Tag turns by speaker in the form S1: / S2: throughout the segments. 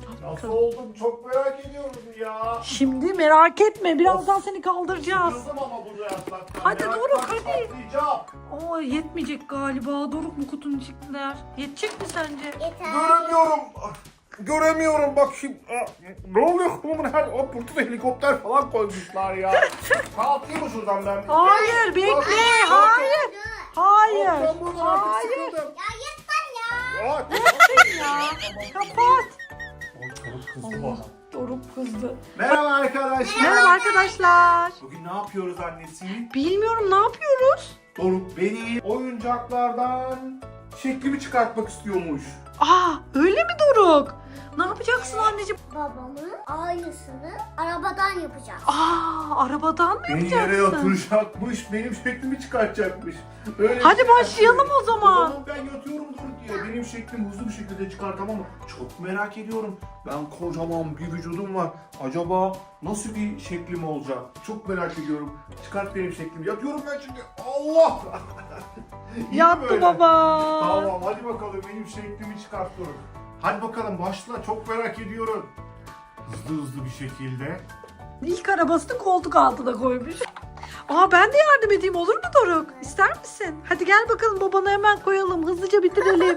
S1: Nasıl oldum çok merak ediyorum ya.
S2: Şimdi merak etme. Birazdan seni kaldıracağız.
S1: Sıkıldım ama burada yatmaktan.
S2: Hadi Doruk, hadi.
S1: Patlayacağım.
S2: Oo, yetmeyecek galiba. Doruk mu kutunun içindeler? Yetecek mi sence?
S3: Yeter.
S1: Göremiyorum. Göremiyorum bak şimdi. Ne oluyor? Bunun her burada helikopter falan koymuşlar ya. Kalkayım mı şuradan ben?
S2: Hayır, bekle. Hayır. Hayır.
S1: Ben buradan artık
S2: Hayır.
S1: sıkıldım.
S3: Ya yeter ya.
S1: Aa,
S2: Ya. Kapat.
S1: Ay, çabuk kızdı bana.
S2: Doruk kızdı.
S1: Merhaba arkadaşlar.
S2: Merhaba arkadaşlar.
S1: Bugün ne yapıyoruz annesi?
S2: Bilmiyorum, ne yapıyoruz?
S1: Doruk beni oyuncaklardan şeklimi çıkartmak istiyormuş.
S2: Aa, öyle mi Doruk? Ne yapacaksın anneciğim?
S3: Babamın aynısını arabadan yapacağız.
S2: Aa, arabadan mı
S1: Beni yere
S2: yapacaksın?
S1: yatıracakmış, benim şeklimi çıkartacakmış. Öyle
S2: Hadi
S1: bir şey
S2: başlayalım
S1: yapıyor.
S2: o zaman.
S1: Ben yatıyorum Doruk diye. Benim şeklimi hızlı bir şekilde çıkartamam ama çok merak ediyorum. Ben kocaman bir vücudum var. Acaba nasıl bir şeklim olacak? Çok merak ediyorum. Çıkart benim şeklimi. Yatıyorum ben şimdi. Allah! İyi mi
S2: Yattı
S1: böyle?
S2: baba.
S1: Tamam hadi bakalım benim şeklimi çıkart Doruk. Hadi bakalım başla. Çok merak ediyorum. Hızlı bir şekilde.
S2: İlk arabasını koltuk altına koymuş. Aa, ben de yardım edeyim, olur mu Doruk? İster misin? Hadi gel bakalım, babana hemen koyalım. Hızlıca bitirelim.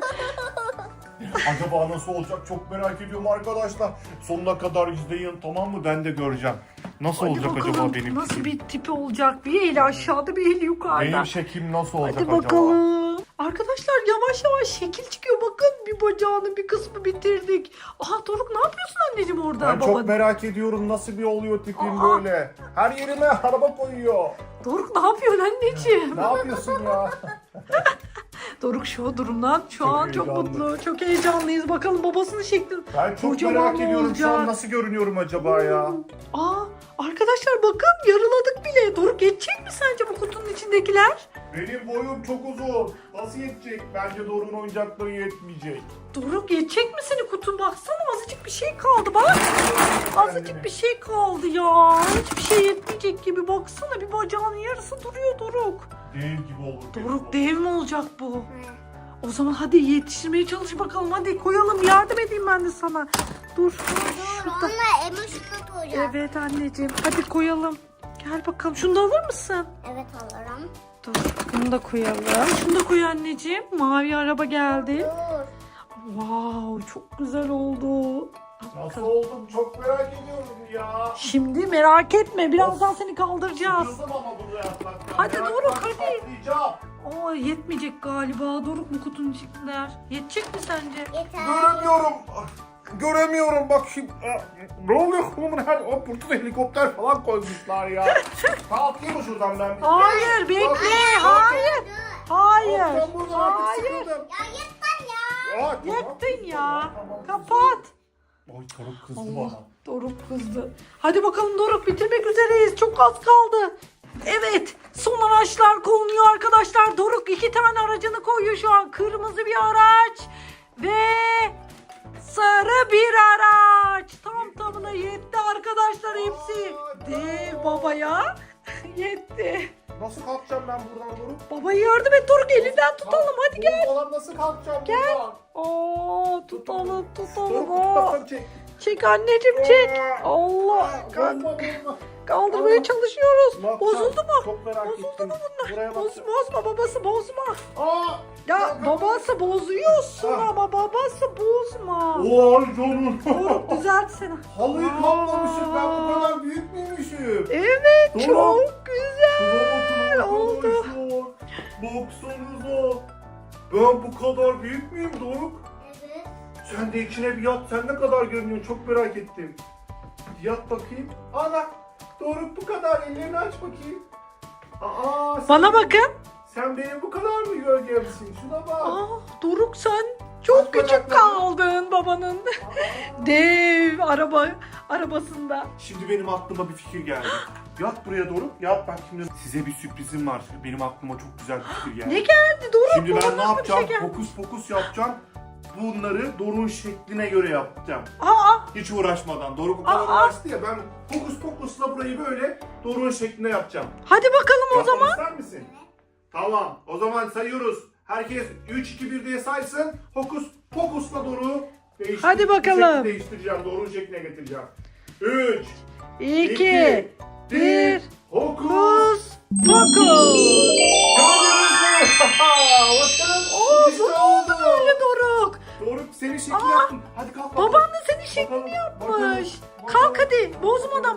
S1: Acaba nasıl olacak çok merak ediyorum arkadaşlar. Sonuna kadar izleyin tamam mı? Ben de göreceğim. Nasıl
S2: Hadi
S1: olacak
S2: bakalım,
S1: acaba benim
S2: nasıl
S1: şeklim?
S2: bir tipi olacak? Bir eli aşağıda, bir eli yukarıda.
S1: Benim şeklim nasıl olacak
S2: Hadi
S1: acaba?
S2: bakalım. Arkadaşlar yavaş yavaş şekil çıkıyor. Bakın, bir bacağının bir kısmı bitirdik. Aha Doruk, ne yapıyorsun anneciğim orada?
S1: Ben çok merak ediyorum nasıl bir oluyor tipim
S2: Aa.
S1: böyle. Her yerime araba koyuyor.
S2: Doruk, ne yapıyorsun anneciğim?
S1: Ne yapıyorsun ya?
S2: Doruk şu durumdan şu
S1: Çok
S2: an çok
S1: heyecanlı.
S2: mutlu. Çok heyecanlıyız. Bakalım babasının şekli.
S1: Ben çok
S2: Kocaman
S1: merak ediyorum şu an
S2: olacak.
S1: nasıl görünüyorum acaba ya?
S2: Aa, arkadaşlar bakın, yarıladık bile. Doruk, yetecek mi sence bu kutunun içindekiler?
S1: Benim boyum çok uzun. Nasıl yetecek? Bence Doruk'un oyuncakları yetmeyecek.
S2: Doruk, yetecek mi senin kutun? Baksana, azıcık bir şey kaldı bak. Azıcık bir şey kaldı ya. Hiçbir şey yetmeyecek gibi. Baksana, bir bacağının yarısı duruyor Doruk.
S1: Dev gibi olur.
S2: Doruk, dev mi olacak bu? O zaman hadi yetiştirmeye çalış bakalım. Hadi koyalım, yardım edeyim ben de sana. Dur.
S3: Dur onunla emoşunu koyacağız.
S2: Evet anneciğim, hadi koyalım. Gel bakalım, şunu da alır mısın?
S3: Evet alırım.
S2: Dur, bunu da koyalım. Şunu da koy anneciğim. Mavi araba geldi.
S3: Dur.
S2: Wow, çok güzel oldu.
S1: Nasıl oldum çok merak ediyorum ya.
S2: Şimdi merak etme, birazdan seni kaldıracağız.
S1: Sıkıldım ama burada yatmaktan.
S2: Hadi
S1: Meraktan
S2: Doruk, hadi.
S1: patlayacağım.
S2: Oo, yetmeyecek galiba. Doruk mu kutunun içindeler? Yetecek mi sence?
S3: Yeter.
S1: Göremiyorum. Göremiyorum bak şimdi. Ne oluyor? Bunun her burada helikopter falan koymuşlar ya. Kalkayım mı şuradan ben?
S2: Hayır, bekle. Hayır. Hayır.
S1: Ben buradan artık
S2: Hayır.
S1: sıkıldım.
S3: Ya yeter ya.
S1: Aa, tamam.
S2: Yettin ya.
S1: Tamam.
S2: Kapat.
S1: Ay Doruk kızdı
S2: Allah,
S1: bana.
S2: Doruk kızdı. Hadi bakalım Doruk, bitirmek üzereyiz. Çok az kaldı. Evet, son araçlar konuyor arkadaşlar. Doruk 2 tane aracını koyuyor şu an. Kırmızı bir araç ve sarı bir araç. Tam tamına yetti arkadaşlar hepsi. Dev babaya yetti.
S1: Nasıl kalkacağım ben buradan Doruk?
S2: Babaya yardım et Doruk, elinden tutalım. Hadi gel.
S1: Falan nasıl kalkacağım buradan?
S2: Oo, tutalım
S1: Doruk
S2: Aa,
S1: kafamı çek.
S2: çek anneciğim, çek. Allah.
S1: Kalkma durma.
S2: Kaldırmaya çalışıyoruz.
S1: Ne yapacağım?
S2: Bozuldu mu?
S1: Çok merak
S2: Bozuldu
S1: ettim.
S2: mu bunlar?
S1: Buraya bak.
S2: Bozma babası, bozma.
S1: Aa!
S2: Ya babası bozuyorsun
S1: Ah.
S2: ama babası bozma.
S1: Oy canım.
S2: Doruk, düzeltsene.
S1: Halıyı
S2: Aa.
S1: kaplamışım ben bu kadar büyük müymüşüm?
S2: Evet,
S1: Doruk.
S2: çok güzel.
S1: Şuna bakın
S2: oldu.
S1: arkadaşlar. Baksanıza. Ben bu kadar büyük müyüm Doruk?
S3: Evet.
S1: Sen de içine bir yat. Sen ne kadar görünüyorsun? Çok merak ettim. Yat bakayım. Ana. Doruk bu kadar. Ellerini aç bakayım. Aa,
S2: Bana bakın.
S1: Sen benim bu kadar mı gölgemsin? Şuna bak.
S2: Aa, Doruk, sen çok
S1: Aç
S2: küçük
S1: bacaklarını.
S2: kaldın babanın.
S1: Aa.
S2: Dev arabasında.
S1: Şimdi benim aklıma bir fikir geldi. Yat buraya Doruk. Yat bak şimdi size bir sürprizim var. Benim aklıma çok güzel bir fikir geldi.
S2: Ne geldi Doruk?
S1: Şimdi ben
S2: Bana
S1: ne
S2: nasıl bir
S1: yapacağım?
S2: şey geldi?
S1: Fokus fokus yapacağım. Bunları Doruk'un şekline göre yapacağım.
S2: Aa,
S1: Hiç uğraşmadan. Doruk o kadar
S2: Aa.
S1: uğraştı ya. Ben fokus fokusla burayı böyle Doruk'un şekline yapacağım.
S2: hadi bakalım o
S1: Yapmamı
S2: zaman.
S1: ister misin? Tamam. O zaman sayıyoruz. Herkes 3, 2, 1 diye saysın. Fokus fokusla Doruk'u
S2: Hadi bakalım.
S1: Şekli değiştireceğim. Doğru şekline getireceğim. 3,
S2: 2, 1.
S1: Hokus
S2: Kus pokus.
S1: Gördünüz mü? Bakın.
S2: Oo,
S1: İşte
S2: bu ne oldu
S1: oldu.
S2: böyle Doruk?
S1: Doğru senin şekli yaptım. Hadi kalk bakalım.
S2: Baban da senin şeklini yapmış. Kalk hadi. Bozmadan.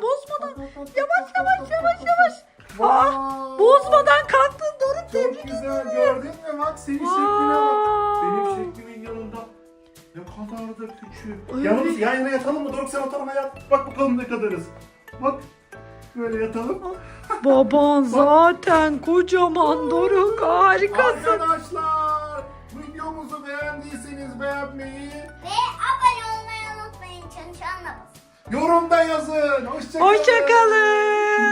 S2: Yavaş. Bozmadan kalktın Doruk.
S1: Çok güzel gördün mü? Bak senin şekline bak. Benim şeklimin yanında ne kadar da küçük.
S2: Evet.
S1: Yalnız yan yana yatalım mı? Doruk sen o tarafa yat. Bak bakalım ne kadarız. Bak. Böyle yatalım.
S2: Baban zaten kocaman Doruk. Harikasın.
S1: Arkadaşlar videomuzu beğendiyseniz beğenmeyi,
S3: Ve abone olmayı unutmayın. Çalışanla basın.
S1: yorumda yazın. Hoşça kalın.
S2: Hoşçakalın.